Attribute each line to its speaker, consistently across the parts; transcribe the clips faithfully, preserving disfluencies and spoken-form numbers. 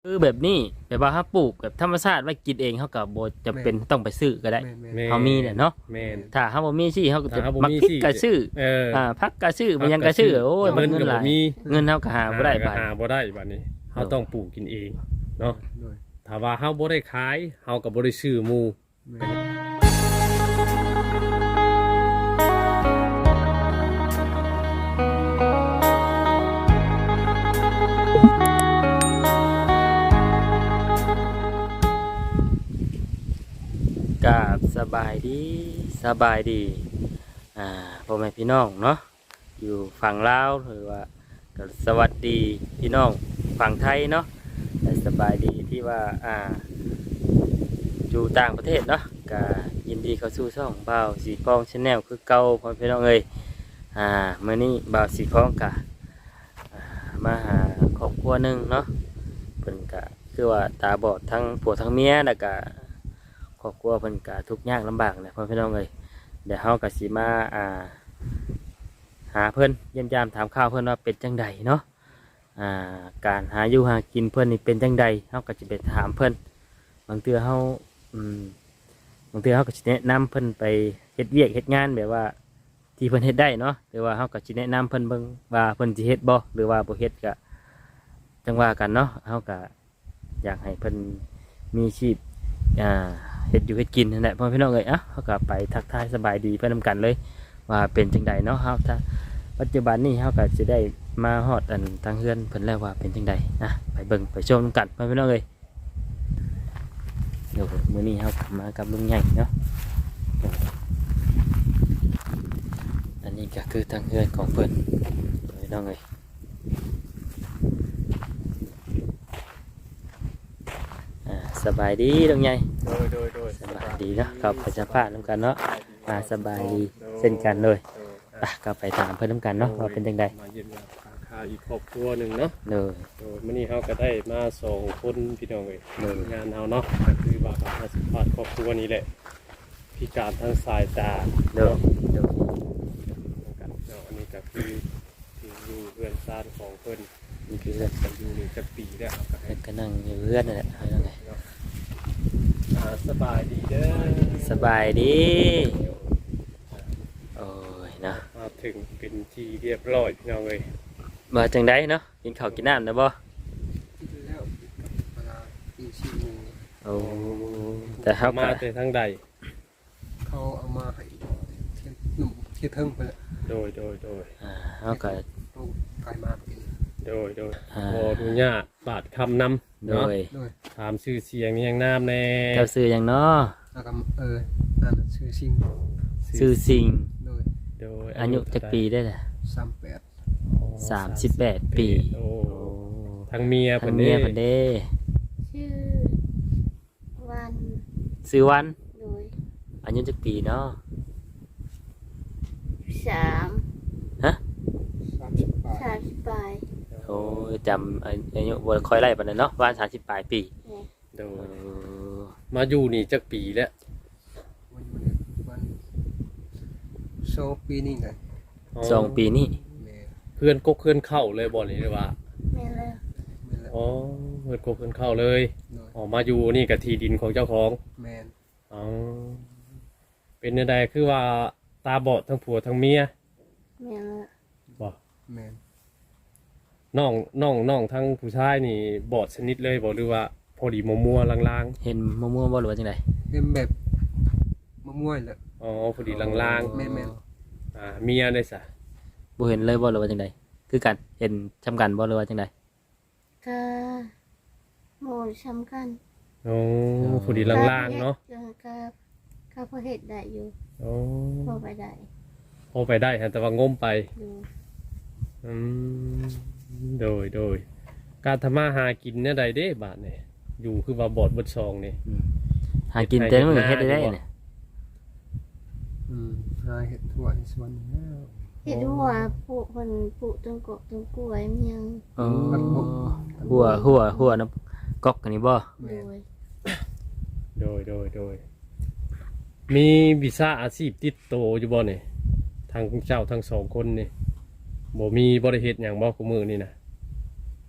Speaker 1: คือแบบนี้แบบว่าเขาปลูกแบบธรรมชาติไว้กินเองเขาก็บ่จำเป็นต้องไปซื้อก็ได้
Speaker 2: แม่น
Speaker 3: แม่
Speaker 2: แม่น
Speaker 1: เขามีเนี่ยเนาะ
Speaker 3: แม่น
Speaker 1: ถ้าเขาบ่มีสิเขาก็จะ
Speaker 3: ถ้าเขาบ่
Speaker 1: มัก
Speaker 3: มี
Speaker 1: พริก
Speaker 3: สิ
Speaker 1: ก็ซื้อ
Speaker 3: เออ
Speaker 1: อ่าผักก็ซื้อมันยังก็ซื้อโอ้ยมัน
Speaker 3: เงิน
Speaker 1: เงิน
Speaker 3: ก็
Speaker 1: ห
Speaker 3: บ่
Speaker 1: ลาย
Speaker 3: มี
Speaker 1: เงินเฮาก็หาบ่ได้
Speaker 3: ก็
Speaker 1: บาด
Speaker 3: หาบ่ได้บัดนี้เฮาต้องปลูกกินเองเนาะ
Speaker 2: โดย
Speaker 3: ถ้าว่าเฮาบ่ได้ขายเฮาก็บ่ได้ซื้อหมู่
Speaker 2: แม่น
Speaker 1: กราบสบายดีสบายดีอ่าพ่อแม่พี่น้องเนาะอยู่ฝั่งลาวหรือว่าก็สวัสดีพี่น้องฝั่งไทยเนาะแต่สบายดีที่ว่าอ่าอยู่ต่างประเทศเนาะก็ยินดีเข้าสู่ช่องบ่าวสีพองชาแนลคือเก่าพ่อแม่พี่น้องเอ้ยอ่ามื้อนี้บ่าวสีพองกะอ่ามาหาครอบครัวหนึงเนาะเพิ่นก็คือว่าตาบอดทั้งผัวทั้งเมียแล้วก็ครอบครัวเพิ่นก็ทุกข์ยากลำบากนะพ่อแม่พี่น้องเอ้ยเดี๋ยวเฮาก็สิมาอ่าหาเพิ่นเยี่ยมยามถามข่าวเพิ่นว่าเป็นจังใดเนาะอ่าการหาอยู่หากินเพิ่นนี่เป็นจังใดเฮาก็สิไปถามเพิ่นบางเทื่อเฮาอืมบางเทื่อเฮาก็สิแนะนำเพิ่นไปเฮ็ดเวียกเฮ็ดงานแบบว่าที่เพิ่นเฮ็ดได้เนาะหรือว่าเฮาก็สิแนะนำเพิ่นเบิ่งว่าเพิ่นสิเฮ็ดบ่หรือว่าบ่เฮ็ดก็จังว่ากันเนาะเฮาก็อยากให้เพิ่นมีชีพอ่าเฮ็ดอยู่เฮ็ดกินนั่นแหละพ่อพี่น้องเอ้ยอ่ะเฮาก็ไปทักทายสบายดีเพิ่นนำกันเลยว่าเป็นจังใดเนาะเฮาถ้าปัจจุบันนี้เฮาก็สิได้มาฮอดอันทางเฮือนเพิ่นแล้วว่าเป็นจังใดนะไปเบิ่งไปชมนำกันพ่อพี่น้องเอ้ยเดี๋ยวมื้อนี้เฮากลับมากับลุงใหญ่เนาะอันนี้ก็คือทางเฮือนของเพิ่นพี่น้องเอ้ยอ่าสบายดีลุงใหญ่
Speaker 3: โดยโดยโดย
Speaker 1: สบายดีเนาะกับประชาภาพน้ำกันเนาะมาสบายดีเช่นกันเลยไปก็ไปตามเพื่อนน้ำกันเนาะว่าเป็นจังใด
Speaker 3: มาเยี่ยมยามหาข่าวอีกครอบครัวหนึงเนาะ
Speaker 1: เลย
Speaker 3: โดยมื้อนี้เฮาก็ได้มาสองคนพี่น้องเอ้ย
Speaker 1: เลย
Speaker 3: งานเฮาเนาะก็คือว่ามาสัมภาษณ์ครอบครัวนี้แหละพิการทางสายตา
Speaker 1: เดินเดิน
Speaker 3: กันเนาะอันนี้ก็คือที่อยู่เรือนซ่านของเพิ่น
Speaker 1: นี่คือเพื่อน
Speaker 3: กันอยู่นี่จักปีแล้วครับก็ให้
Speaker 1: ก็นั่งอยู่เพื่อนนั่นแหละเอายังไง
Speaker 3: เนาะอ่าสบายดีเด้อ
Speaker 1: สบายดีโอ้ยเนาะ
Speaker 3: มาถึงเป็นที่เรียบร้อยพี่น้องเอ้ย
Speaker 1: มาจังใดเนาะกินข้าวกินน้ำนะบ่
Speaker 2: กินแล้วเวลาตีสี่โมง
Speaker 1: โอ้แต่เขา
Speaker 3: มา
Speaker 1: ก็
Speaker 3: แต่ทางใด
Speaker 2: เขาเอามาให้เที่ยงหนุ่มเที่ยงเทิงไปแล้ว
Speaker 3: โดยโดยโดย
Speaker 1: อ่าเขาก็
Speaker 2: ต้องกลายมากิน
Speaker 3: โดยโดย
Speaker 1: อ่า
Speaker 3: ขออนุญาตบาดคำนำ
Speaker 1: โด
Speaker 3: เนาะ
Speaker 1: ย
Speaker 2: โดย
Speaker 3: ถามชื่อเสียงยังน้ำแน่
Speaker 1: เจ้าซื้อหยังเนาะ
Speaker 2: แล้วก็เอออ่านชื่อซิง
Speaker 1: ซื้อสิง
Speaker 2: โดย
Speaker 3: โดย
Speaker 1: อายุจักปีได้ล่ะ
Speaker 2: สามแปด
Speaker 1: สามสิบแปดปี
Speaker 3: โอ้ทางเมีย
Speaker 1: ทา
Speaker 3: เพิ่
Speaker 1: ง
Speaker 3: น
Speaker 1: เมี
Speaker 3: เด้
Speaker 1: ยเพิ่นเด้
Speaker 4: ชื่อวัน
Speaker 1: ซื้อวัน
Speaker 4: โดย
Speaker 1: อายุจักปีเนาะ
Speaker 4: สาม
Speaker 2: สามสิบแปด
Speaker 4: สามสิบปลาย
Speaker 1: โอ้ยจำอายุบ่ค่อยไล่ปานนั้นเนาะวันสามสิบปลายปี
Speaker 3: โด
Speaker 1: เอย อ
Speaker 3: มาอยู่นี่จักปีแล้ว
Speaker 2: วันวันวันโซปีนี่ไง
Speaker 1: สองปีนี้
Speaker 2: แม่
Speaker 3: เพื่อนกกเพื่อนเข้าเลยบ่นี่หรือว่า
Speaker 4: แม่เลย
Speaker 2: แม่แล้ว
Speaker 3: อ๋อเพื่อนกกเพื่อนเข้าเลย
Speaker 2: โดย
Speaker 3: ออกมาอยู่นี่กับที่ดินของเจ้าของ
Speaker 2: แมน
Speaker 3: อ๋อเป็นยังไงคือว่าตาบอดทั้งผัวทั้งเมีย
Speaker 4: แม่เลย
Speaker 3: บ่
Speaker 2: แมน
Speaker 3: น้องน้องน้องทั้งผู้ชายนี่บอดชนิดเลยบ่หรือว่าพอดีมัวๆลาง
Speaker 1: เห็นมะม่วงบ่หรือว่าจังได
Speaker 2: เป็นแบบมะม่วงแหละ
Speaker 3: ๆอ๋อพอดีลาง
Speaker 2: แม่นแม่น
Speaker 3: ๆอ่าเมียได้ซะ
Speaker 1: บ่เห็นเลยบ่หรือว่าจังไดคือกันเห็นจำกันบ่หรือว่าจังได
Speaker 4: ก็โมช้ำกัน
Speaker 3: โอ้พอดีลางๆเนาะ
Speaker 4: ก็ก็พอเห็ดได้อยู่
Speaker 3: โอ้
Speaker 4: พอไปได้
Speaker 3: พอไปได้ฮะแต่ว่างมไป
Speaker 4: อยู่
Speaker 3: อืมโดยโดยการทำมาหากินเนี่ยใดเด้บาทเนี่ยอยู่คือว่าบอดบดซองนี่
Speaker 1: อืมหากินแต่มื้อเฮ็ดได้ได้เนี่ย
Speaker 2: อืมหาเห็ดถั่วในสวนแล้ว
Speaker 4: เห็ดหัวปลูกคนปลูกต้นกกต้นกล้วยมันยัง
Speaker 1: อ๋อหัวหัวหัวน้ำก๊อกอันนี้บ่
Speaker 4: โดย
Speaker 3: โดยโดยโดยมีวีซ่าอาชีพติดโตวอยู่บ่เนี่ยทางเจ้าทั้งสองคนนี่บ่มีบริเหตุอย่างบ่กูมือนี่นะ
Speaker 4: ม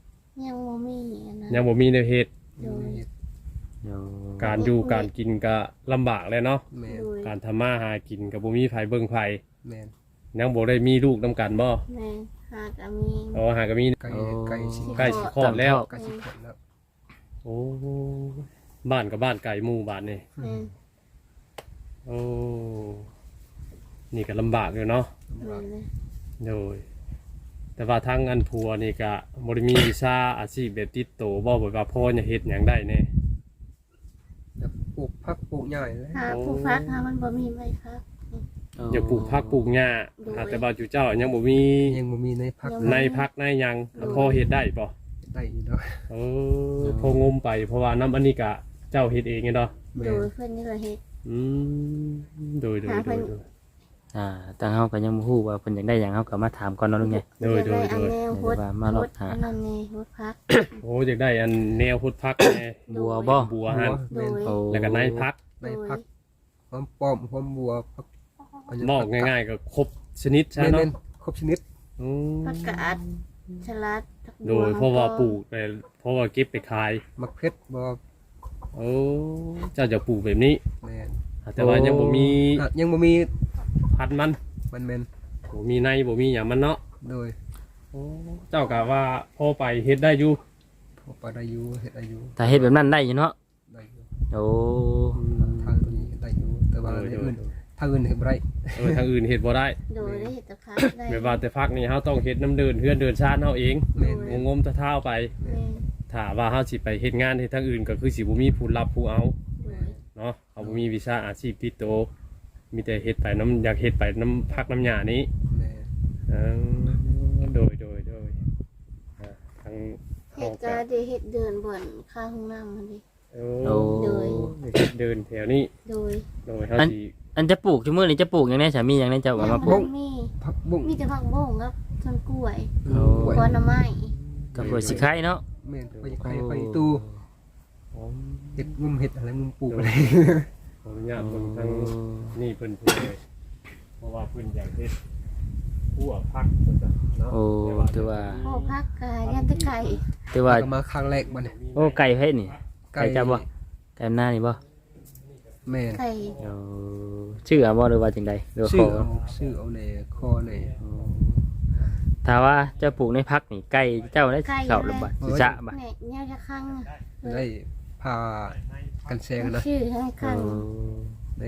Speaker 4: ยังบ่มีอันนั้น
Speaker 3: ยังบ่มีแนวเฮ็ด
Speaker 4: โดย
Speaker 1: โอ้
Speaker 3: การอยู่การกินก็ลำบากเลยเนาะ
Speaker 2: แม่น
Speaker 4: โดย
Speaker 3: การทำมาหากินก็บ่มีไผเบิ่งไผ
Speaker 2: แม่น
Speaker 3: ยังบ่ได้มีลูกนํกันบ่
Speaker 4: แม่หากะมี
Speaker 3: อ๋อหาก็มี
Speaker 2: ไก่ไก่สิ
Speaker 3: ใกล้สิคลอดแล้ว
Speaker 2: ไก่สิคลอดแล้ว
Speaker 3: โอ้บ้านกับบ้านไกลหมู่บ้านนี่
Speaker 4: แม่
Speaker 3: โอ้นี่ก็ลำบากอยู่เนาะ
Speaker 4: แม่เลย
Speaker 3: โดยแต่ว่าทางอันผัวนี่ก็บ่ได้มีวีซ่าอาชีพแบบติดโตบ่แบบว่าพ่อจะเฮ็ดหยังได้แน่
Speaker 2: แล้วปลูกผักปลูกหญ้าเลย
Speaker 4: หาผู้ฟักหามันบ่มีไว้ครับ
Speaker 3: อย่าปลูกผักปลูกหญ้า
Speaker 4: โดย
Speaker 3: หาแต่ว่าจุเจ้ายังบ่มี
Speaker 2: ยังบ่มีในผัก
Speaker 3: ในพักในหยังพ่อเฮ็ดได้บ่
Speaker 2: ได้อยู่เนาะ
Speaker 3: เออพองมไปเพราะว่าน้ำอันนี้ก็เจ้าเฮ็ดเองไงเนาะ
Speaker 2: แม่
Speaker 4: โด
Speaker 2: น
Speaker 4: ยเพิ่นนี่ก็เฮ็ด
Speaker 3: อืมโดยโดย
Speaker 4: หา
Speaker 3: โด
Speaker 4: เพิ่
Speaker 3: ย
Speaker 4: น
Speaker 3: โดย
Speaker 1: อ่าทางเฮาก็ยังบ่ฮู้ว่าเพิ่นอยากได้หยังเฮาก็มาถามก่อนเนาะลุงไง
Speaker 3: โดยโดยโดย
Speaker 4: แนวโฮด
Speaker 1: เดี๋ยวว่ามาลดหา
Speaker 4: อันนั้นนี่โฮดพัก
Speaker 3: โอ้อยากได้อันแนวพุทธพักแน่
Speaker 1: บัวบ่
Speaker 3: บัวหัน
Speaker 4: โดย
Speaker 1: โอ้
Speaker 3: แล้วก็ในพัก
Speaker 2: ในผักหอมป้อมหอมบัวผัก
Speaker 3: บอกง่ายๆก็ครบชนิดใช่
Speaker 2: แม่น
Speaker 3: เนาะ
Speaker 2: แม่นครบชนิด
Speaker 3: อืม
Speaker 4: ผักกาดสลัดผักบัว
Speaker 3: โดยเพราะว่าปลูกไปเพราะว่าเก็บไปขาย
Speaker 2: มักเพชรบ่
Speaker 3: โอ้เจ้าจะปลูกแบบนี้
Speaker 2: แม่น
Speaker 3: แต่ว่ายังบ่มี
Speaker 2: อ่ะยังบ่มี
Speaker 3: พันธุ์มัน
Speaker 2: มันแม่น
Speaker 3: บ่มีในบ่มีหยังมันเนาะ
Speaker 2: โดย
Speaker 3: โอ้เจ้ากะว่าพอไปเฮ็ดได้อยู่
Speaker 2: พอปลาได้อยู่เฮ็ดได้อยู่
Speaker 1: ถ้าเฮ็ดแบบนั้นได้อยู่เนาะ
Speaker 2: ได้อยู่
Speaker 1: โอ้
Speaker 2: ทางนี้ได้อยู่แต่ว่า
Speaker 3: โดย
Speaker 2: ใน
Speaker 3: โดย
Speaker 2: อื่นทางอื่นเฮ็ดบ่ได้
Speaker 3: เออทางอื่นเฮ็ดบ่ได้
Speaker 4: โดยได้เห็ดแต่พักได้
Speaker 3: แบบว่าแต่พักนี่เฮาต้องเฮ็ดน้ำเดินเฮือนเดินชาติเฮาเอง
Speaker 2: แม่นแม่น
Speaker 3: งมๆตะเท้าไป
Speaker 4: แม่
Speaker 3: ถ้าว่าเฮาสิไปเฮ็ดงานเฮ็ดทางอื่นก็คือสิบ่มีผู้รับผู้เอา
Speaker 4: โดย
Speaker 3: เนาะเฮาบ่มีวิชาอาชีพติดตัวมีแต่เฮ็ดไปน้ำอยากเฮ็ดไปน้ำพักน้ำหญ้านี้
Speaker 2: แม่น
Speaker 3: เออโดยโดยโดยอ่าทาง
Speaker 4: เห็ดกะได้เห็ดเดินบ่อนข้างห้องน้ำมันดิ
Speaker 3: โอ้
Speaker 1: โอ้
Speaker 4: โดย
Speaker 3: เฮ็ดเดินแถวนี้
Speaker 4: โดย
Speaker 3: โดยเฮาสิ
Speaker 1: อันจะปลูกชั่วโมงนี้จะปลูกหยังไงสามีหยังไงเจ้าก็มาปลูก
Speaker 4: มี
Speaker 2: ผักบุ้ง
Speaker 4: มีแต่ผักบุ้งครับต้นกล้วย
Speaker 1: โอ้
Speaker 2: กล้วย
Speaker 4: ผลไม้
Speaker 1: กับกล้วยสิไข่เนาะ
Speaker 2: แม่นไปไข่ไปตู้
Speaker 3: อ๋อ
Speaker 2: เฮ็ดงุมเฮ็ดอะไรงุมปลูกอะไร
Speaker 3: ขออนุญาตเบิ่งทางนี่เพิ่นพูดเลยเพราะว่าเพิ่นอยากเฮ็ดหัวพักจังซั่นเนาะ
Speaker 1: โอ้ถือว่า
Speaker 4: โอ้พักกายยันตะไก่
Speaker 1: ถือว่า
Speaker 2: ก็มาครั้งแรกบัดนี้
Speaker 1: โอ้ไก่เพชรนี่ ไก่จับบ่ ไก่หน้านี่บ่
Speaker 2: แม่น
Speaker 4: ไก่
Speaker 1: เอาชื่ออะบ่หรือว่าจังใดหรือว่า
Speaker 2: ชื่
Speaker 1: ข
Speaker 2: อ
Speaker 1: อ
Speaker 2: เอาชื่อเอาในคอใน
Speaker 1: ถ้าว่าเจะปลูกในพักนี่ไก่เจ้าได้เข้าหรือบ่สิจะบ่
Speaker 4: แม่เนี่ยจะข้างอะ
Speaker 2: ได้พากันแซงนะ
Speaker 4: ชื่อให้ข้าง
Speaker 2: แน่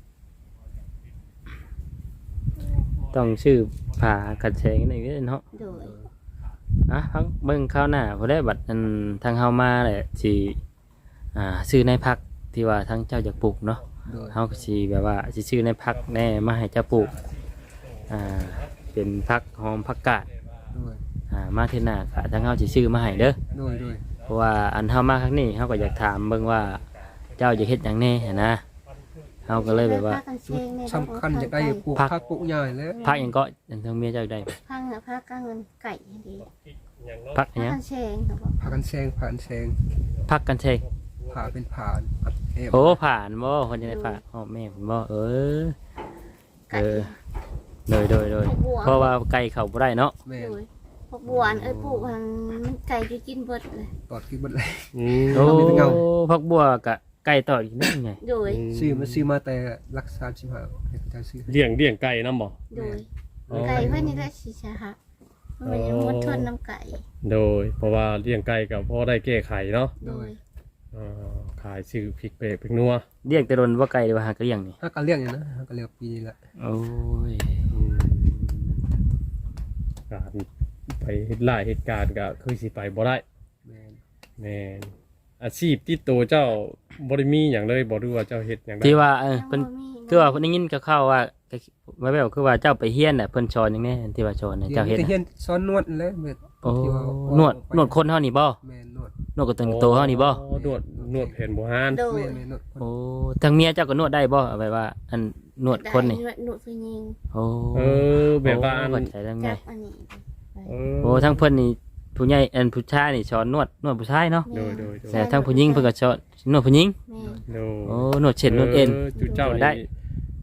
Speaker 1: ต้องชื่อผ่ากัดแชงนี่เนาะ
Speaker 4: โดย
Speaker 1: อ่ะพังเบิ่งข้าวหน้าพอได้บัดอันทางเฮามาแหละสิอ่าซื้อในพักที่ว่าทางเจ้าอยากปลูกเนาะ
Speaker 2: โดย
Speaker 1: เฮาก็สิแบบว่าสิซื้อในพักแน่มาให้เจ้าปลูกอ่าเป็นพักหอมผักกาด
Speaker 2: โดย
Speaker 1: อ่ามาเทื่อหน้าก็ทางเฮาสิซื้อมาให้เด้อ
Speaker 2: โดยโดย
Speaker 1: เพราะว่าอันเฮามาครั้งนี้เฮาก็อยากถามเบิ่งว่าเจ้าจะเฮ็ดหยังแน่หั้นนะเฮาก็เลยแบบว่า
Speaker 4: พักกันเชงเนี่ย
Speaker 2: สำคัญจะได้ปลูก
Speaker 1: ผัก
Speaker 2: ผักปลูกหญ้าแล้ว
Speaker 1: พักหยังก็อันทางเมียเจ้าได้
Speaker 4: พักอะพักกลางเงินไก่ดี
Speaker 3: อย่างเนาะ
Speaker 1: พักห
Speaker 4: พัก
Speaker 1: ยัง
Speaker 4: กันเชงครับผม
Speaker 2: พากันแซงผ่านแซง
Speaker 1: พักกันเชง
Speaker 2: ผ่าเป็นผ่านอัดแอบ
Speaker 1: โอ้ผ่านบ่คนจะได้ผ่านอ๋อแม่ผมบ่เออ
Speaker 4: ไก่
Speaker 1: เออโดยโดยโดยเพราะว่าไก่เข้าบ่ได้เนาะ
Speaker 2: แม่
Speaker 4: โดยพวกบัวอันเอ้ยปลูกมันมันไก่จะกินเบิดเลย
Speaker 2: ตอดกินบัดเลย
Speaker 3: อืม
Speaker 1: โอ้
Speaker 2: มีแต่เงา
Speaker 1: พักบัวกะไก่ต่ออีกนั่นไง
Speaker 4: โดย
Speaker 2: ซื้อมาซื้อมาแต่รักษาสิบห้าให้เขาเจ้าซื้อ
Speaker 3: เลี้ยงเลี้ยงไก่นำบ่
Speaker 4: โดย
Speaker 3: อ๋อ
Speaker 4: ไก่เพื่อนนี่ได้ชีชะฮะมันยังมดทนน้ำไก่
Speaker 3: โดย เพราะว่าเลี้ยงไก่ก็พอได้แก้ไขเนาะ
Speaker 4: โดย
Speaker 3: อ่าขายซื้อพริกเปรกพริกนัว
Speaker 1: เรียกแต่โดนว่าไก่หรือว่าหากเลี้ยงนี่
Speaker 2: ถ้ากันเลี้ยงอย่างนะถ้ากันเลี้ยงปีนี้แหละ
Speaker 1: โอ้ย
Speaker 3: อืมการไปเฮ็ดหลายเหตุการณ์ก็คือสิไปบ่ได้
Speaker 2: แม่น
Speaker 3: แม่นอาชีพที่ตัวเจ้าบ่ได้มีหยังเลยบ่รู้ว่าเจ้าเฮ็ดหยังได้
Speaker 1: ที่ว่าเออ
Speaker 4: ยัง
Speaker 1: เพิ่น
Speaker 4: บ่มี
Speaker 1: คือว่าเพิ่นได้ยินก็เข้าว่าไม่แบบคือว่าเจ้าไปเฮียนน่ะเพิ่นสอนอย่างนี้ที่ว่าสอนเนี่ย
Speaker 2: เดี๋ย
Speaker 1: เจ้าว เฮ็ด
Speaker 2: จะ
Speaker 1: น่ะ
Speaker 2: เฮียนซ้อนนวดแล้วแม่
Speaker 1: โอ้
Speaker 2: ที่ว่าน
Speaker 1: วดนวดคนเฮานี่บ่
Speaker 2: แม่นนวด
Speaker 1: นวดกับตัวโตเฮานี่บ่
Speaker 3: อ๋อนวดนวดแผ่นโบราณ
Speaker 4: โดย
Speaker 2: แม่นแม่นนวดคน
Speaker 1: โอ้ทางเมียเจ้าก็นวดได้บ่เอาไว้ว่า อันนวดคนนี่
Speaker 4: ได้หนวดผู้หญิง
Speaker 1: โอ้
Speaker 3: เออแบบว่าอัน
Speaker 1: โอ้เข้ใจได้ไง
Speaker 4: จับอันนี้
Speaker 3: เอ
Speaker 1: โอ้ทั้งเพิ่นนี่ผู้ใหญ่อันผู้ชายนี่สอนนวดนวดผู้ชายเนาะ
Speaker 3: โดยโดยโดย
Speaker 1: แต่ทั้งผู้หญิงเพิ่นก็สอนนวดผู้หญิง
Speaker 4: แม่
Speaker 3: โดย
Speaker 1: โอ้นวดเช็ดนวดเอ็น
Speaker 3: จุเจ้า
Speaker 1: ได้
Speaker 3: นี่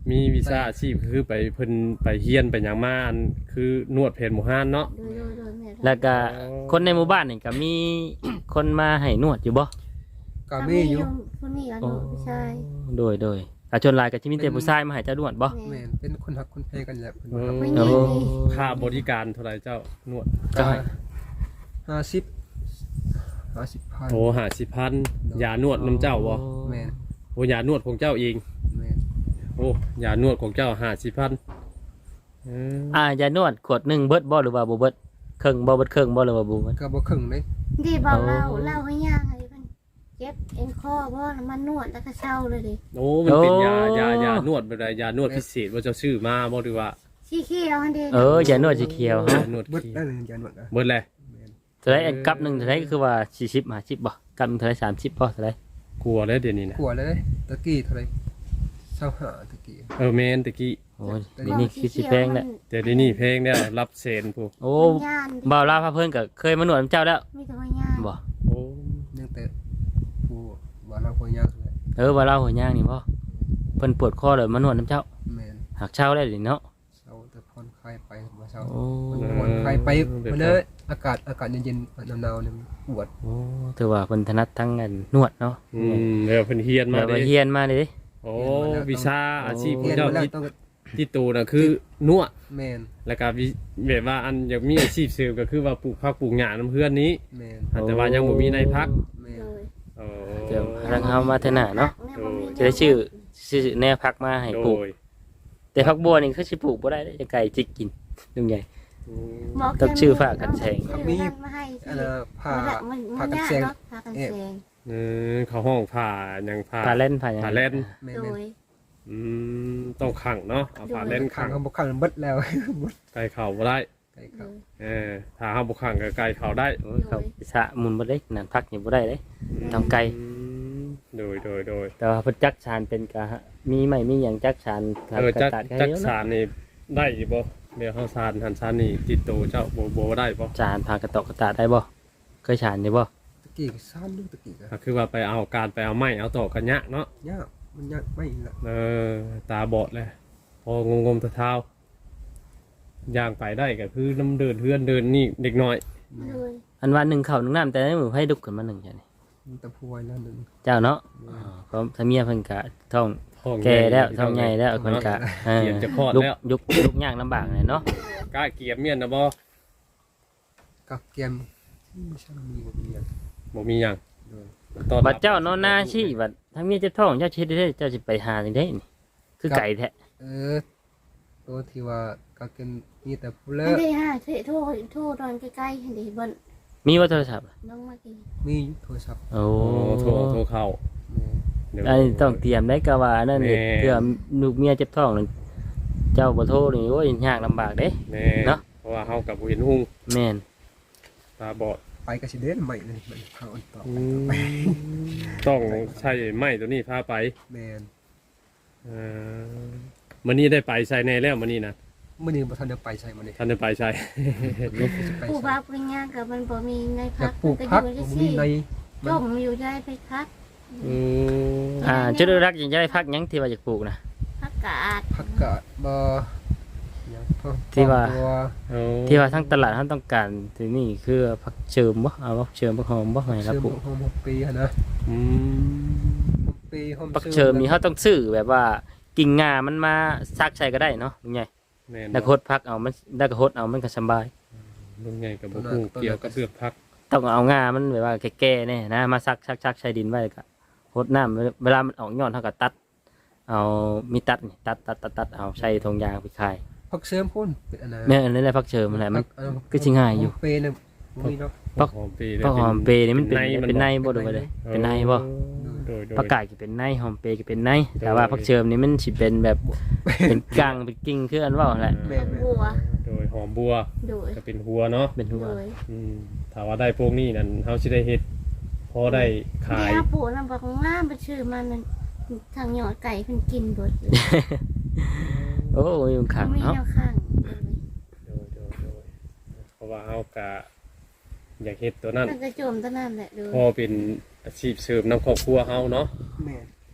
Speaker 3: มีวีซ่าอาชีพคือไปเพิ่นไปเฮียนไปหยังมาอันคือนวดแผนหมู่ห้านเนาะ
Speaker 4: โดยโดยโดยแม่
Speaker 1: แล้วก็คนในหมู่บ้านนี่ก็มีคนมาให้นวดอยู่บ่
Speaker 2: ก็มีอยู่
Speaker 4: ผู้นี้อ่ะหนูผู้ชาย
Speaker 1: โดยโดยอาชนหลายก็สิมีแต่ผู้ชายมาให้เจ้านวดบ่
Speaker 2: แม่นเป็นคนฮักคนแพงกันแหละเพิ่น
Speaker 3: เอ
Speaker 2: ว่า
Speaker 3: อ
Speaker 4: ผู้ห
Speaker 1: โอ้
Speaker 4: ญิงนี่
Speaker 3: ค่าบริการเท่าไหร่เจ้านวด
Speaker 1: ก็ให้
Speaker 2: ห้าสิบห้าสิบพัน
Speaker 3: โอ้ห้าสิบพันยานวดน้ำเจ้าบ่
Speaker 2: แม่น
Speaker 3: โอ้ยานวดของเจ้าเอง
Speaker 2: แม่น
Speaker 3: โอ้ยานวดของเจ้าห้าสิบพันเออ
Speaker 1: อ่ายานวดขวดหนึงเบิดบ่หรือว่าบ่เบิดครึ่งบ่เบิดครึ่งบ่หรือว่าบ่เบิด
Speaker 2: ก็บ่ครึ่งเลย
Speaker 4: ดีบอกเล่าเล่าให้ย่างให้เพิ่นเจ็บเอ็นคอบ่แล้วมันนวดแล้วก็เช่าเลยดิ
Speaker 3: โอ้มันเป็นยายายานวดแบบใดยานวดพิเศษว่าเจ้าชื่อมาบ่หรือว่า
Speaker 4: สีเขียวอันเดียว
Speaker 1: เออยานวดสีเขียวฮะ
Speaker 3: ยานวด
Speaker 2: เบิด
Speaker 3: ขี้
Speaker 2: ได้เลยยานวดนะ
Speaker 3: เบิดเลย
Speaker 2: แม่น
Speaker 1: เท่าไหร่อันกับหนึงเท่าไหร่ก็คือว่าสี่สิบ ห้าสิบบ่กับหนึงเท่าไหร่สามสิบบ่เท่าไหร่
Speaker 3: กลัวแล้วเดี๋ยวนี้นะ
Speaker 2: กลัวเลยตะกี้เท่าไหร่เศร้าหาตะกี้
Speaker 3: เออแมนตะกี้
Speaker 1: โอ้ยเดี๋ยวนี้คือสิแพงแหละ
Speaker 3: แต่เดี๋ยวนี้เพลงเนี่ยรับเซนผู้
Speaker 1: โอ้
Speaker 4: มันย่านดิ
Speaker 1: บ่าวลาวพาเพิ่นก็เคยมานวดนำเจ้าแล้ว
Speaker 4: มีแต่ว่าย่าน
Speaker 1: บ่
Speaker 3: โอ้
Speaker 2: ยังแต่ผู้ว่าเราคนยากเลย
Speaker 1: เออบ่าวลาวหัวย่างนี่บ่เพิ่นปวดคอเลยมานวดนำเจ้า
Speaker 2: แม่น
Speaker 1: หักเช้าได้ดิเนาะ
Speaker 2: เศร้าแต่ผ่อนคลายไปบ่เศร้า
Speaker 1: โอ้
Speaker 2: ผ่อนคลายไปมาเลยอากาศอากาศเย็นๆหนาวๆเนี่ยปวด
Speaker 1: โอ้ถือว่าเพิ่นถนัดทั้งอันนวดเนาะ
Speaker 3: อืมเดี๋ยวเพิ่นเฮียนมา
Speaker 1: แล้ว
Speaker 3: เด้
Speaker 1: ไปเฮียนมาเลยดิ
Speaker 3: โอ้วิชาอาชีพขอ
Speaker 2: เรี
Speaker 3: ง
Speaker 2: ยน
Speaker 3: เจ้า
Speaker 2: มาแล้ว
Speaker 3: ที่
Speaker 2: ต้อง
Speaker 3: ที่ตูน่ะคือนวด
Speaker 2: แม่น
Speaker 3: แล้วก็วิแบบว่าอันอยากมีอาชีพเสริมก็คือว่าปลูกผักปลูกหญ้านํเพื่อนนี้
Speaker 2: แม่น
Speaker 3: อาจจะว่ายังบ่มีในพัก
Speaker 2: แม่น
Speaker 4: โดย
Speaker 3: โอ้
Speaker 1: เดี๋ยวทางเฮามาเถอะหน้าเนาะ
Speaker 4: แม่บ่มี
Speaker 1: จะได้ชื่อชื่อแนวพักมาให้
Speaker 3: โด
Speaker 1: ปลูก
Speaker 3: ย
Speaker 1: แต่พักบัวนี่คือสิปลูกบ่ได้เด้จะไก่จิกกินลุงใหญ่
Speaker 3: อืม
Speaker 4: หมอ
Speaker 1: ต้องชื่อฝากกันแชง
Speaker 4: เอาชื่อนั่นมาให้
Speaker 2: อันน่ะผ้า
Speaker 4: มัน
Speaker 2: ผ้า
Speaker 4: มัน
Speaker 2: กัน
Speaker 4: ยาก
Speaker 2: แซง
Speaker 4: เนาะพากันแซง
Speaker 3: เออเขาห้องผ่าหยังผ่า
Speaker 1: พาเล่นพาหยัง
Speaker 3: พาเล่น
Speaker 2: แม่น
Speaker 4: โด
Speaker 2: แม่น
Speaker 4: ย
Speaker 3: อืมต้องขังเนาะเอาผ่าเล่น
Speaker 2: ขั
Speaker 3: ขั
Speaker 2: ง
Speaker 3: ง
Speaker 2: เขาบ่ขังเบิดแล้ว
Speaker 3: ไก่เข่าบ่ได้
Speaker 2: ไก่
Speaker 4: โด
Speaker 2: เขา
Speaker 4: ย
Speaker 3: เออถ้าเฮาบ่ขังก็ไก่เข่าได้
Speaker 1: โอ้ยเขาสะมุนบ่ได้นั่นพักนี่บ่ได้เด้ ต้องไกล
Speaker 3: อืมโดยโดยโดย
Speaker 1: แต่ว่าเพิ่นจักชานเป็นกะมีไหมมีหยังจักชาน
Speaker 3: เออจัก
Speaker 1: ตัด
Speaker 3: จัก
Speaker 1: เยอะ
Speaker 3: สารนี่ได้อยู่บ่เดี๋ยวเฮาสารหันสารนี่ติดตัวเจ้าบ่บ่ได้บ่
Speaker 1: จานพากระตอกกระตาได้บ่เคยชานได้บ่
Speaker 2: ตะกี้ก็ซ่านดูตะกี้ก็
Speaker 3: ก็คือว่าไปเอาการไปเอาไม้เอาตอกกันยะเนาะ
Speaker 2: ยากมันยากไม่ละ
Speaker 3: เออตาบอดเลยพองงมๆเท้าๆย่างไปได้ก็คือน้ำเดินเฮือนเดินนี่เด็กน้อย
Speaker 4: โดย
Speaker 1: อันว่าหนึ่งข้าวหนึ่งน้ำแต่ในมือให้ดุกขึ้นมาหนึ่งจ้ะนี่
Speaker 2: มันตะพวยแล้วหนึง
Speaker 1: เจ้าเนาะอ๋อเพราะถ้าเมียเพิ่นกะท้อง
Speaker 3: ท้อง
Speaker 1: แก่แล้ว
Speaker 3: ใหญ่
Speaker 1: ท้องใหญ่แล้วเพิ่นกะเออ
Speaker 3: เกียมจะคลอด
Speaker 1: ลุก
Speaker 3: แล้ว
Speaker 1: ยุกลุกยากลำบากเลยเนาะ
Speaker 3: กล้าเกียมเมียนนะบ่
Speaker 2: กับเกมไม่ใช่มีบ่มีอย่าง
Speaker 3: บ่มีหยัง
Speaker 2: โดย
Speaker 3: ตอน
Speaker 1: บัดเจ้านอนหน้าชี้บัดถ้าเมียเจะท้องเจ้าชิดได้เจ้าสิไปหาจังได๋นี่คือไก่แท้
Speaker 2: เออตัวที่ว่าก็เกมมีแต่ผู้เลิ
Speaker 4: อัน
Speaker 2: ก
Speaker 4: ที่ห้าเทโทรโทรตอนใกล้ๆเห็นดิบน
Speaker 1: มีว่าโทรศัพท์
Speaker 4: น้องมากิน
Speaker 2: มีโทรศัพท์
Speaker 1: โอ้
Speaker 3: โอ้โทรโทรเข้า
Speaker 2: แม่น
Speaker 3: เดี๋ยว
Speaker 1: อันนี้ต้องเตรียมได้ก็ว่านั่นนี่
Speaker 3: แม่
Speaker 1: เพื่อลูกเมียเจ็บท้องนั่นเจ้าบ่โทรนี่โอ้ยยากลำบากเด้
Speaker 3: แม่
Speaker 1: เนาะ
Speaker 3: เพราะว่าเฮากับบ่เห็นหุ่ง
Speaker 1: แม่น
Speaker 3: ตาบอด
Speaker 2: ไปก็สิเด่นใหม่เลยมันพาอันต่อ
Speaker 3: ต้องใช้ไม้ตัวนี้พาไป
Speaker 2: แม่น
Speaker 3: เอ่อมื้อนี้ได้ไปใส่แน่แล้วมื้อนี้นะ
Speaker 2: มื้อนี้บ่ทันได้ไปใช่มื้อนี้
Speaker 3: ท่านได้ไปใส่
Speaker 2: ไป
Speaker 4: ผู้
Speaker 2: ใช่
Speaker 4: บ้าปริญญากับมันบ่มีใน
Speaker 2: อ
Speaker 4: พั
Speaker 2: ยาก กปลูก
Speaker 4: มัน
Speaker 2: พัก
Speaker 4: อยู่
Speaker 2: บ่
Speaker 4: ที่
Speaker 2: มี
Speaker 4: สี่
Speaker 2: ใน
Speaker 4: จมอยู่ได้ไปพัก
Speaker 3: อืม
Speaker 1: อ่าจุดรักยังจะได้พักหยังที่ว่าจะปลูกนะ
Speaker 4: พักกาด
Speaker 2: ผักกาดบ่หยังพวก
Speaker 1: ที่ว่า
Speaker 2: ตัว
Speaker 3: เอา
Speaker 1: ที่ว่าทั้งตลาดท่านต้องการที่นี่คือพักเชิมบ่เอาพักเชิมพักหอมบ่ให้รับ
Speaker 2: เชื่อม
Speaker 1: ปลูก
Speaker 2: หอมหกปีหั่นนะ
Speaker 3: อืม
Speaker 2: หกปีหอม
Speaker 1: พักเชิมนี่เขาต้องซื้อแบบว่ากิ่งงามันมาซักใส่ก็ได้เนาะลุงใหญ่
Speaker 3: แม่น
Speaker 1: แล้วก็หดพักเอามันแล้วก็หดเอามันก็สบาย
Speaker 3: ลุงใหญ่กับบ่ฮู้เกี่ยวกับเลือกพัก
Speaker 1: ต้องเอางามันแบบว่าแก่ๆเนี่ยนะมาซักซักซักใส่ดินไว้ก็หดน้ำเวลามันออกยอดเท่ากับตัด เอามีตัดนี่ตัดตัดตัดตัดเอาใส่ทงยางไปขาย
Speaker 2: ผักเสริมพุ่นเป็นอันนั้น
Speaker 1: เนี่ยอันนี้แหละพักเชิมอะไรมัน ก็สิง่ายอยู่
Speaker 2: หเปเนี่ยบ่มีเนาะ
Speaker 1: พัก
Speaker 3: หอมปีเลย
Speaker 1: พักหอมเปรย์นี่มันเป็นเป็นในบ่
Speaker 2: เป็
Speaker 1: ดู
Speaker 2: น
Speaker 1: ไป
Speaker 2: ใน
Speaker 1: เลยเป็นในบ่
Speaker 3: โดยโดย
Speaker 1: ผักกาดก็เป็นในหอมเปรย์ก็เป็นในแต่ว่าผักเชิมนี่มันสิเป็นแบบเป็นกลางเป็นกิ่งคืออันว่าแหละ
Speaker 2: แม่
Speaker 4: บัว
Speaker 3: โดยหอมบัว
Speaker 4: โดย
Speaker 3: ก็เป็นหัวเนาะ
Speaker 1: เป็นหัว
Speaker 4: โดย
Speaker 3: อืมถ้าว่าได้พวกนี้นั่นเฮาสิได้เฮ็ดพอได้ขาย
Speaker 4: นี่ปู่นำบอกงามไปชื่อมันนั่นทางหยอดไก่เพิ่นกินเบิดเลย
Speaker 1: โอ้ยมันขัง
Speaker 4: มี
Speaker 1: เนาะ
Speaker 4: แนวข้าง
Speaker 3: โดยโดยโดยเพราะว่าเฮากะอยากเฮ็ดตัวนั้น
Speaker 4: มันก็โจมตะนั่นแหละโดย
Speaker 3: พอเป็นอาชีพเสริมนำครอบครัวเฮาเนาะ
Speaker 2: แม่
Speaker 3: โดย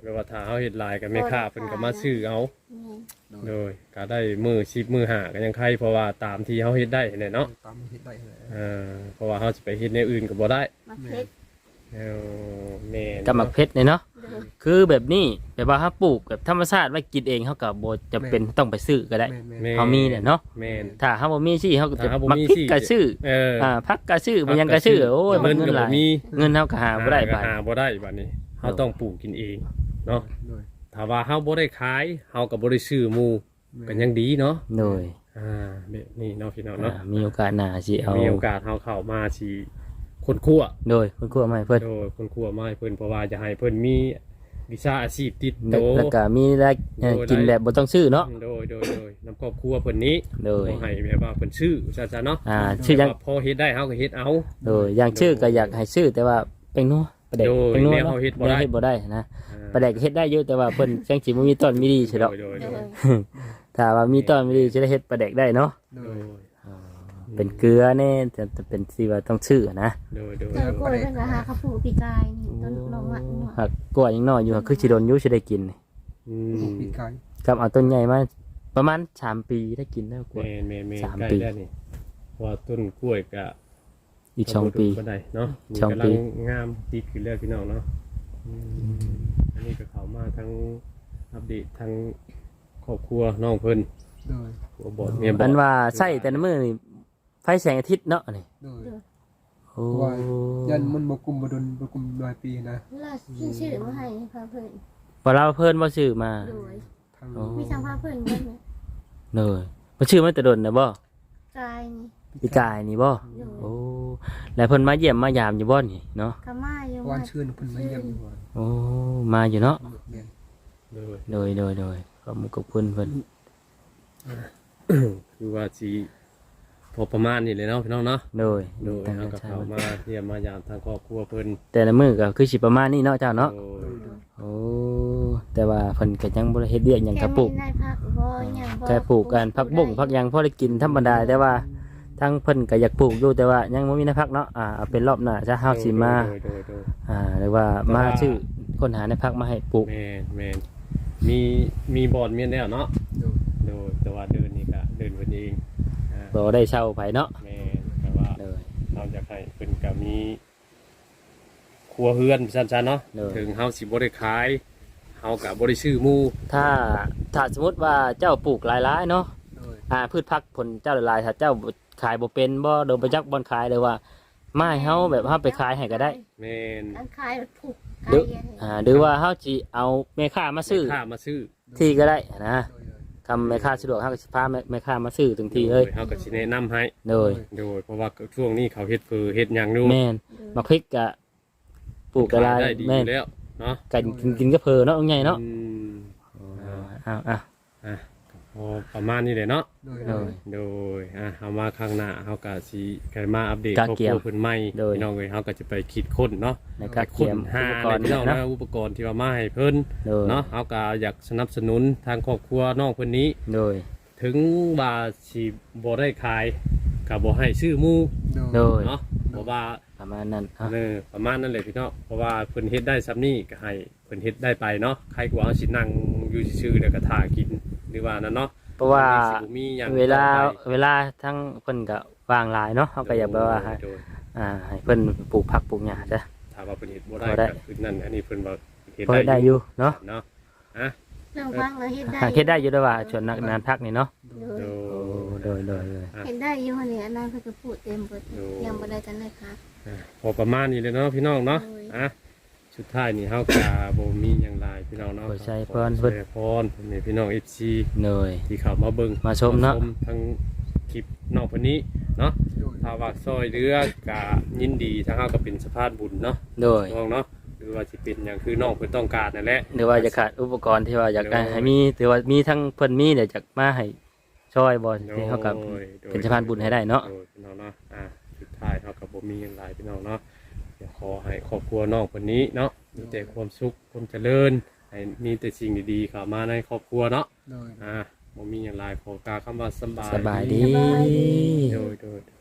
Speaker 3: แปลว่าถ้าเฮาเฮ็ดหลายก็แม่ค้าเพิ่นก็มาซื้อเอา
Speaker 4: แม่น
Speaker 3: โดยก็ได้มือสิบมือห้าก็ยังใครเพราะว่าตามที่เฮาเฮ็ดได้แหละเนาะ
Speaker 2: ตามเฮ็ดได้เลย
Speaker 3: เออเพราะว่าเฮาสิไปเฮ็ดในวอื่นก็บ่ได้
Speaker 4: มาเพชร
Speaker 3: เออแม่น
Speaker 1: กับหมักเพชรเนี่ยเนาะ
Speaker 4: เด้อ
Speaker 1: คือแบบนี้แบบว่าถ้าปลูกแบบธรรมชาติไว้กินเองเขาก็บ่จะเป็นต้องไปซื้อก็ได้
Speaker 2: แม่แม่
Speaker 3: แม่
Speaker 1: เขามีเนี่ยเนาะ
Speaker 3: แม่น
Speaker 1: ถ้าเฮาบ่มีสิเฮาก็จะ
Speaker 3: ถ้าเฮาบ่
Speaker 1: มัก
Speaker 3: มี
Speaker 1: พริก
Speaker 3: สิ
Speaker 1: ก็ซื้อ
Speaker 3: เออ
Speaker 1: อ่าผักก็ซื้อมันยังก็ซื้อโอ้ยมัน
Speaker 3: เงิน
Speaker 1: เงิน
Speaker 3: ก็
Speaker 1: ห
Speaker 3: บ่
Speaker 1: ลาย
Speaker 3: มี
Speaker 1: เงินเฮาก็หาบ่ได้บาด
Speaker 3: หาบ่ได้บัดนี้เฮาต้องปลูกกินเองเนาะ
Speaker 2: โดย
Speaker 3: ถ้าว่าเฮาบ่ได้ขายเฮาก็บ่ได้ซื้อหมู่ก็ยังดีเนาะ
Speaker 1: โดย
Speaker 3: อ่าแบบนี้เนาะพี่น้อง
Speaker 1: อ่า
Speaker 3: เนาะ
Speaker 1: มีโอกาสหน้าสิเอา
Speaker 3: มีโอกาสเฮาเข้ามาสิคนคั่ว
Speaker 1: โดยคุณครูมาให้เพิ่น
Speaker 3: โดยคนคั่วมาให้เพิ่นเพราะว่าจะให้เพิ่นมีวิชาอาชีพติดโต
Speaker 1: แล้วก็มีรายเอ่อ
Speaker 3: โดย
Speaker 1: กินแบบบ่ต้องซื้อเนาะ
Speaker 3: โดยโดยโดยน้ำครอบครัวเพิ่นนี้
Speaker 1: โดย
Speaker 3: บ่ให้แบบว่าเพิ่นซื้อซะซะเนาะ
Speaker 1: อ่าชื่อยัง
Speaker 3: ว่าพอเฮ็ดได้เฮาก็เฮ็ดเอา
Speaker 1: โดยอย่างชื่อก็อยากให้ชื่อแต่ว่าเป็นนัวประเด็ก
Speaker 3: โดย
Speaker 1: เป็นนัว
Speaker 3: แนว
Speaker 1: เนาะ
Speaker 3: เฮาเฮ็ดบ่ได้
Speaker 1: แนวเฮ็ดบ่ได้นะ
Speaker 3: อ่า
Speaker 1: ประเด็กเฮ็ดได้อยู่แต่ว่าเพิ่นจังสิบ่มีต้นมีดีใช่ดอก
Speaker 3: โดยโด
Speaker 4: เด้
Speaker 3: ย
Speaker 4: อ
Speaker 3: โดย
Speaker 1: ถ้าว่ามีต้นมีดีจะได้เฮ็ดประเด็กได้เนาะ
Speaker 2: โด
Speaker 3: โด
Speaker 2: ย
Speaker 3: ย
Speaker 1: เป็นเกลือแน่แต่แต่เป็นสิว่าต้องชื่อนะ
Speaker 3: โดยโดย
Speaker 4: เจอกล้วยเป็นราคาข้าวผูปีกายนี่ต้นลงมาหนวด
Speaker 1: หักกล้วยยังน้อยอยู่หักคือสิโดนอยู่สิได้กินนี่
Speaker 3: อืม
Speaker 2: ปีกไก่
Speaker 1: กับเอาต้นใหญ่มาประมาณสามปีได้กินแล้วกล้วย
Speaker 3: แม่นแม่นแม่น
Speaker 1: สาม
Speaker 3: ใกล้
Speaker 1: ปี
Speaker 3: แล้วนี่เพราะว่าต้นกล้วยก็
Speaker 1: อีกสองปี
Speaker 3: ก็ได้เนาะมี
Speaker 1: สอง
Speaker 3: กำ
Speaker 1: ปี
Speaker 3: ลังงามติดขึ้นเรื่อยพี่น้องเนาะอืมอันนี้ก็เข้ามาทั้งอัปเดตทั้งครอบครัวน้องเพิ่น
Speaker 2: โดย
Speaker 3: หัวบอดเมียบอด
Speaker 1: อันว่าใส่แต่ละมื้อนี่ไฟแสงอาทิตย์เนาะนี่
Speaker 2: โดย
Speaker 1: โอ้
Speaker 2: ว่ายันมันบ่กุมบ่ดนบ่กุมหลายปีนะ
Speaker 4: ล่าชื่อชื่อมาให้พาเพิ่น
Speaker 1: พอเราเพิ่นบ่ชื่อมา
Speaker 4: โดย
Speaker 2: ทาง
Speaker 1: อ๋อ
Speaker 4: มีทางพาเพิ่นเพิ่น
Speaker 1: เลยบ่ชื่อมาแต่ดนนะบ่
Speaker 4: กายนี่
Speaker 1: พี่กายนี่บ่
Speaker 4: โดย
Speaker 1: โอ้ แล้วเพิ่นมาเยี่ยมมายามอยู่บ่นี่เนาะ
Speaker 4: กะมาอยู่
Speaker 2: วานชื่นเพิ่นมาเยี่ยมอยู่ว่า
Speaker 1: โอ้ มาอยู่เนาะ
Speaker 2: แม่น
Speaker 3: โดย
Speaker 1: โดยโดยโดยขอบคุณกับเพิ่นเพิ่น
Speaker 3: คือว่าสีพอประมาณนี้เลยเนาะพี่น้องเนาะ
Speaker 1: โดย
Speaker 3: โดย
Speaker 1: ตั้ง
Speaker 3: เขา
Speaker 1: ใจ
Speaker 3: ก็เข้ามาเยี่ยมมายามทางครอบครัวเพิ่น
Speaker 1: แต่ละมื้อก็คือสิประมาณนี้เนาะเจ้าเนาะ
Speaker 3: โดย
Speaker 1: โอ้ แต่ว่าเพิ่นก็ยังบ่ได้เฮ็ดเวียกหยัง
Speaker 4: แค่
Speaker 1: ก็ปลูก
Speaker 4: ไม่ได้พักบ่หยังบ่
Speaker 1: แค่ปลูกกันผักบุ้งผักหยังพอได้กินธรรมดาแต่ว่าทั้งเพิ่นก็อยากปลูกอยู่แต่ว่ายังบ่มีในพักเนาะ อ่าเอาเป็นรอบหน้าจะเฮาสิมา
Speaker 3: โดยโดยโดย
Speaker 1: อ่าหรือว่ามาชื่อคนหาในพักมาให้ปลูก
Speaker 3: แมนแมนมีมีบอลเมียนแล้วเนาะ
Speaker 2: โดย
Speaker 3: โดยแต่ว่าเดินนี่ก็เดินเพิ่นเองอ่า
Speaker 1: บ่ได้เช่าไผเนาะ
Speaker 3: แมนแต่ว่า
Speaker 1: เลย
Speaker 3: เราอยากให้เพิ่นก็มีครัวเฮือนซั่นๆเนาะถึงเฮาสิบ่ได้ขายเฮาก็บ่ได้ซื้อหมู่
Speaker 1: ถ้าถ้าสมมุติว่าเจ้าปลูกหลายๆเนาะ
Speaker 2: โดย
Speaker 1: อ่าพืชผักผลเจ้าหลายๆถ้าเจ้าขายบ่เป็นบ่โดนไปจักบ่อนขายเลยว่ามาให้เฮาแบบเฮาไปขายให้ก็ได้
Speaker 3: แมน
Speaker 4: อันขายผูก
Speaker 1: หรื
Speaker 4: กา
Speaker 1: อ
Speaker 4: ย
Speaker 1: อ่าหรือว่าเฮาสิเอาแม่ค้ามาซื้อ
Speaker 3: ข้ามาซื้อ
Speaker 1: ที่ก็ได้นะ
Speaker 2: โดย
Speaker 1: คำแม่ค้าสะดวกเฮาก็สิพาแม่แม่ค้ามาซื้อถึงที่เลย
Speaker 3: โดเฮาก็สิแนะนำให้
Speaker 1: โดย
Speaker 3: โดยเพราะว่าช่วงนี้เขาเฮ็ดคือเฮ็ดหยังอยู่
Speaker 1: แม่นมาพริกก็ปลูกกะลาย
Speaker 3: ได้ดีอ
Speaker 1: แม่น
Speaker 3: ยู่แล้วเนาะ
Speaker 1: กันกินกินก็เพอเนาะใหญ่เนาะ
Speaker 3: อืม
Speaker 1: อ้าวอ้าว
Speaker 3: อ่ะพอประมาณนี้เลยเนาะ
Speaker 2: โดย
Speaker 1: โดย
Speaker 3: โดยอ่ะเอามาข้างหน้าเฮาก็สิกันมาอัปเดต
Speaker 1: กะ
Speaker 3: ครอบ
Speaker 1: เกี
Speaker 3: ค
Speaker 1: ย
Speaker 3: รั
Speaker 1: ม
Speaker 3: วเพิ่นใหม่
Speaker 1: โดย
Speaker 3: พี่น้องเอ้ยเฮาก็จะไปคิดค้นเนาะ
Speaker 1: ในการเตรี
Speaker 3: ค้
Speaker 1: ย
Speaker 3: น
Speaker 1: ม
Speaker 3: หา
Speaker 1: อุปกรณ์
Speaker 3: พี่น้อง
Speaker 1: เนาะ
Speaker 3: นะอุปกรณ์ที่ว่ามาให้เพิ่น
Speaker 1: โดย
Speaker 3: เนาะเฮาก็อยากสนับสนุนทางครอบครัวน้องเพิ่นนี้
Speaker 1: โดย
Speaker 3: ถึงว่าสิบ่ได้ขายก็บ่ให้ซื้อหมู่
Speaker 1: โดย
Speaker 3: เนาะเพราะว่า
Speaker 1: ประมาณนั้นอ่ะ
Speaker 3: เออประมาณนั้นเลยพี่น้องเพราะว่าเพิ่นเฮ็ดได้ซ้ำนี้ก็ให้เพิ่นเฮ็ดได้ไปเนาะใครกว่าเอาสินั่งอยู่ซื่อๆแล้วก็ท่ากินหรือว่านั่นเนาะ
Speaker 1: เพราะว่า
Speaker 3: สิบ่มีหยัง
Speaker 1: เวลา
Speaker 3: ต่อไป
Speaker 1: เวลาทั้งเพิ่นก็วางหลายเนาะเฮาก็อยากแบบว่าให้
Speaker 3: โดย
Speaker 1: อ่าให้เพิ่นปลูกผักปลูกหญ้าจ้ะ
Speaker 3: ถ้าว่าเพิ่นเฮ็ดบ่
Speaker 1: บ่ได้
Speaker 3: ได้ก็คือนั่นอันนี้เพิ่นบ่เฮ็ด
Speaker 1: พอได้อยู่เนาะ
Speaker 3: เนาะอ่ะ
Speaker 4: เรื่องฟังเราเฮ็ดได้
Speaker 1: หาเฮ็ดได้อยู่ด้วยว่าส่วนนักนานพักนี่เนาะ
Speaker 4: โด
Speaker 3: โด
Speaker 4: ย
Speaker 3: ย
Speaker 1: โดยโดยโดย
Speaker 4: เฮ็ดได้อยู่เนี่ยอันนั้นเพิ่นก็พูดเต็มเบิด
Speaker 3: โดย
Speaker 4: ยังบ่ได้กันเลยค่ะ
Speaker 3: อ่ะพอประมาณนี้เลยเนาะพี่น้องเนาะ
Speaker 4: โดย
Speaker 3: อ่ะสุดท้ายนี่เฮาก็บ่มีหยังหลายพี่น้องเนาะ
Speaker 1: ขอใช้พร
Speaker 3: ข
Speaker 1: เพิ่
Speaker 3: อน ใช้พรนี่พี่น้อง เอฟ ซี
Speaker 1: โดย
Speaker 3: ที่เข้ามาเบิ่ง
Speaker 1: มาชมเนาะ
Speaker 3: ทั้งคลิปน้องคนนี้เนาะ
Speaker 2: โดย
Speaker 3: ถ้าว่าซอยเรือกะยินดีทางเฮาก็เป็นสะพานบุญเนาะ
Speaker 1: โดย
Speaker 3: น้องเนาะหรือว่าสิเป็นหยังคือน้องเพิ่นต้องการนั่นแหละ
Speaker 1: หรือว่าจะขาดอุปกรณ์ที่ว่าอยากได้
Speaker 3: โดย
Speaker 1: ให้มีถือว่ามีทั้งเพิ่นมีเดี๋ยวจะมาให้ช่วยบ่ที่เฮากับ
Speaker 3: โดยโดย
Speaker 1: เป็นสะพานบุญให้ได้เนาะ
Speaker 3: โดยพี่น้องเนาะอ่ะสุดท้ายเฮาก็บ่มีหยังหลายพี่น้องเนาะเดี๋ยวขอให้ครอบครัวน้องคนนี้เนาะมีแต่ความสุขความเจริญให้มีแต่สิ่งดีๆเข้ามาในครอบครัวเนาะ
Speaker 2: โดย
Speaker 3: อ่ะบ่มีหยังหลายขอกล่าวคำว่าสำบาย
Speaker 1: สบายดี
Speaker 3: โดยโดย